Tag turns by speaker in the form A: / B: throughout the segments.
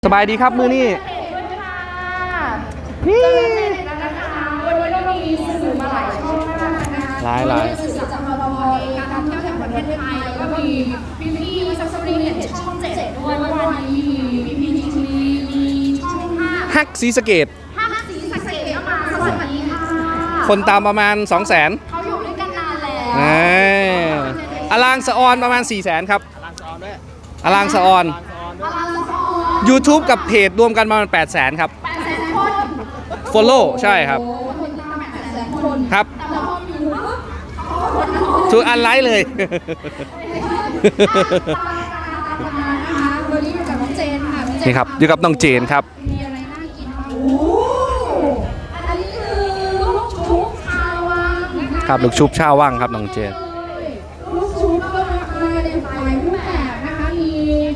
A: สบายดีครับมือนี่
B: นี่วันนี้เรามีสื่อมาหลายช่องมากนะคะ
A: หลาย
B: สื่อจากพพเองการท่องเที่ยวแห่งประเทศไทยแล้วก็มีพี่ซับสปริงเนี่ยช่อง7ด้วยวันนี้มีPPTVมีช่อง5
A: ฮักศรีสะเกษ
B: 5สีสะเกษก็มาสวัสดีค่ะ
A: คนตามประมาณ 200,000
B: เขาอยู่ด้วยกันนาน
A: แล้วอลางสะออนประมาณ 400,000ครับอลางสะออน YouTube กับเพจรวมกันประมาณ 800,000ครับ
B: 800,000 คน
A: Follow ใช่ครับ
B: คนตาม800,000 คน
A: ครับ
B: แต่พอมีอยู่
A: ทุกอันไลค์เลย
B: วันนี้อยู่กับน้องเจนค่ะ
A: นี่ครับอยู่กับน้องเจนครับ
B: มีอะไรน่ากินบ้างอันนี้คือลูกชุบชาววัง
A: ครับลูกชุบชาววังครับน้องเจน
B: ลูกชุบก็มาในหลายรูปแบบนะคะมี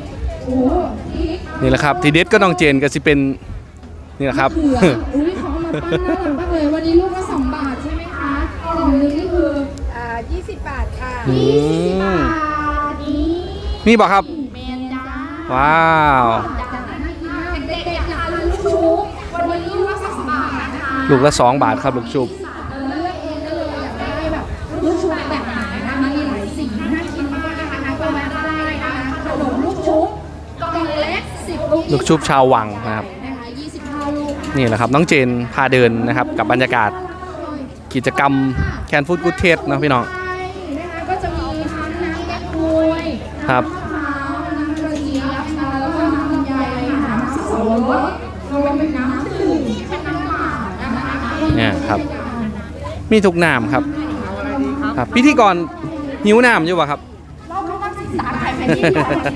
A: นี่แหละครับทีเด็ดก็น้องเจนก็สิเป็นนี่แหละครับ
B: อุ้ยเขามาปั้นน่ารักมากเลยวันนี้ลูกละ2 บาทใช่ไหมคะกล่องนึงนี่คือ20 บาทค่ะ20 บาท
A: นี่บอกครับ
B: เมนจ้า
A: ว้าว
B: เด็กๆอยากทานลูกชุบวันนี้ลูกละ2 บาทนะคะ
A: ลูกละ2 บาทครับลูกชุบ
B: เลือกเองได้เลยอยากได้แบบลูกชุบแบบไหนนะคะมีหลายสีน่ากินมากนะคะก็แวะได้นะคะขนมลูกชุบกล่องเล็ก10
A: ลูกชุบชาววังนะครับนี่แหละครับน้องเจนพาเดินนะครับกับบรรยากาศกิจกรรมแคนฟู้ดกู๊ดเทสนะพี่น้อง
B: ก็จะมีทั้งน้ำแก้ควย
A: ครับ
B: น้ำกระเจี๊ยบแล้วก็น้ำลำไยน้ำสับปะรดรวมเป็นน้ำดื่มเป็นน้ำเปล่านะคะ
A: เนี่ยครับมีทุกน้ำครับครับพิธีกรหิวน้ำอยู่ป่ะครับ
B: เราต้องศึกษาใครเป็นที่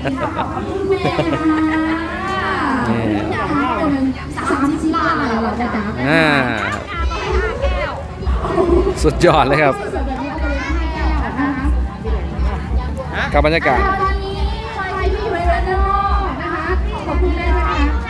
B: 30 บาทเหรอจ๊ะ
A: สุดยอดเลยครับกับบรรยากาศ
B: ตอนนี้ใครที่อยู่ในร้านนอกนะคะขอบคุณนะคะ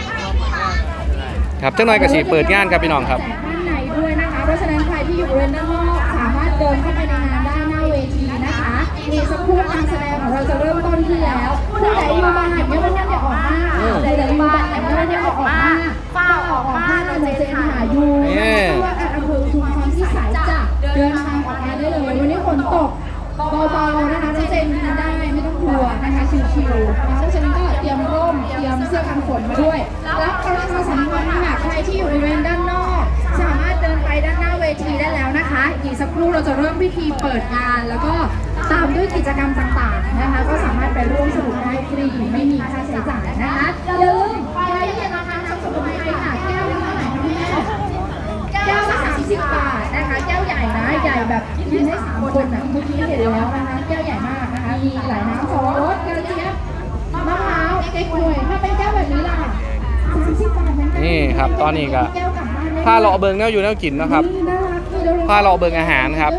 A: ครับเจ้าน้อยกระสีเปิดงานครับพี่น้องครับ
B: ด้านในด้วยนะคะเพราะฉะนั้นใครที่อยู่บริเวณด้านนอกสามารถเดินเข้าไปในงานได้หน้าเวทีนะคะมีสักครู่การแสดงของเราจะเริ่มต้นขึ้นแล้วผู้ใดอยู่บ้านเนี่ยไม่ว่าจะออกมาผู้ใดอยู่บ้านเนี่ยไม่ว่าจะออกมาฝ้าออกมาเราจะเจนหาอยู่ว่าอำเภอชุมพรพิสัยจะเดินทางออกมาได้เลยวันนี้ฝนตกเบาๆนะคะจะเจนได้ไม่ต้องกลัวนะคะชิวๆเพราะฉะนั้นก็เตรียมร่มเตรียมเสื้อกันฝนมาด้วยแล้วประชาสัมพันธ์ค่ะใครที่อยู่บริเวณด้านนอกสามารถเดินไปด้านหน้าเวทีได้แล้วนะคะอีกสักครู่เราจะเริ่มพิธีเปิดงานแล้วก็ตามด้วยกิจกรรมต่างๆนะคะก็สามารถไปร่วมสนุกได้ฟรีไม่มีค่าใช้จ่ายนะคะอย่าลืมไปที่ร้านน้ำสมุนไพรค่ะแก้วละเท่าไหร่คะแม่แก้วละ30 บาทนะคะแก้วใหญ่นะใหญ่แบบกินได้3 คนนะเมื่อกี้เห็นแล้วนะคะแก้วใหญ่มากนะคะมีหลายน้ำสับปะรดกระเจี๊ยบมะพร้าวเก๊กฮวยถ้าเป็นแก้วแบบนี้ล่ะ30 บาทเหมือนกัน
A: นี่ครับตอนนี้ก็ผ้าเลาะเบิงแนวอยู่แนวกินนะครับผ้าเลาะเบิงอาหารครับ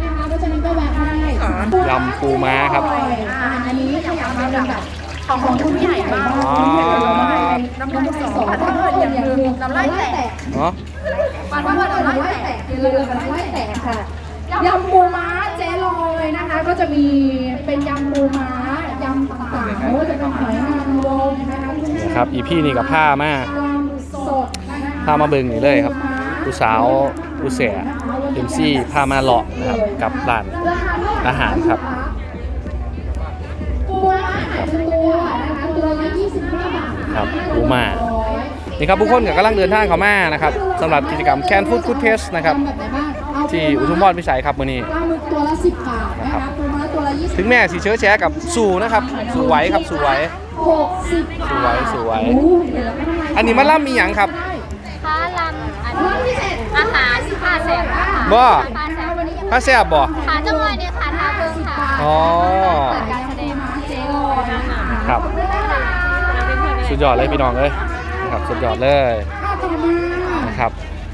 A: ยำปูม้าครับ
B: อันนี้ขยับมาเป็นแบบของคุณใหญ่มากน้ำลายสอถ้าเกิดอย่างนึงน้ำลายแตกปันว่าน้ำลายแตกเรือน้ำลายแตกค่ะยำปูม้าเจ๊ลอยนะคะก็จะมีเป็นยำปูม้ายำต่างๆไม่ว่าจะเป็นหอยนางรมนะคะ
A: ครับอีพี่นี่กับผ้ามาก
B: สด
A: ผ้ามาเบิงนี่เลยครับผู้สาวผู้เสียเอ็มซี่ผ้ามาเลาะนะครับกับร้านอาหารครับ
B: ปูม้าตัวนะคะตัวละ25 บาท
A: ครับปูม้านี่ครับผู้คนกำลังเดินทางเข้ามานะครับสำหรับกิจกรรมแคนฟู้ดกู๊ดเทสนะครับที่อุทุมพรพิสัยครับมื้อนี้
B: ตัวละ10 บาทนะคะปูม้าตัวละ20
A: ถึงแม่สีเชื้อแชร์กับสู่นะครับสู่ไว้ครับสู่ไว้
B: 60
A: บาทสู่ไว้อันนี้มาล่ำมีหยังครับ
C: ค้าลำอาหารผ้าแสบ
A: บ่ผ้าแสบบ่
C: ขาจังหวะเนี่ยขาทาเบิ้งค่ะ
A: อ๋อ
C: การแสดง
A: ครับสุดยอดเลยพี่น้องเลยนะครับสุดยอดเลยนะครับ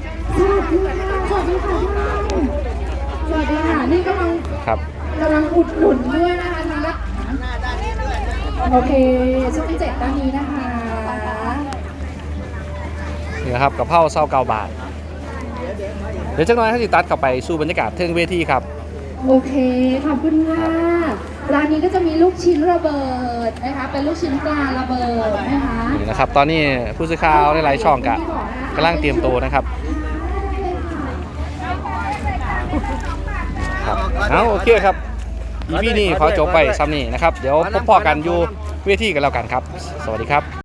B: สวัสดีค่ะนี่กำลังอุดหนุนด้วยนะคะทางด้านโอเคช่อง7ด้านนี้นะคะ
A: นี่นะครับกับเผ่า29 บาทเดี๋ยวจังหน่อยให้ติดตัดเข้าไปสู่บรรยากาศเทิงเวทีครับ
B: โอเคขอบคุณค่ะร้านนี้ก็จะมีลูกชิ้นระเบิดนะคะเป็นลูกชิ้นปลาระเบิดนะคะ
A: นี่นะครับตอนนี้ผู้สื่อข่าวหลายๆช่องกำลังเตรียมตัวนะครับครับเอาโอเคครับอีพีนี้ขอจบไปซ้ำนี้นะครับเดี๋ยวพบพอกันอยู่เวทีกันแล้วกันครับสวัสดีครับ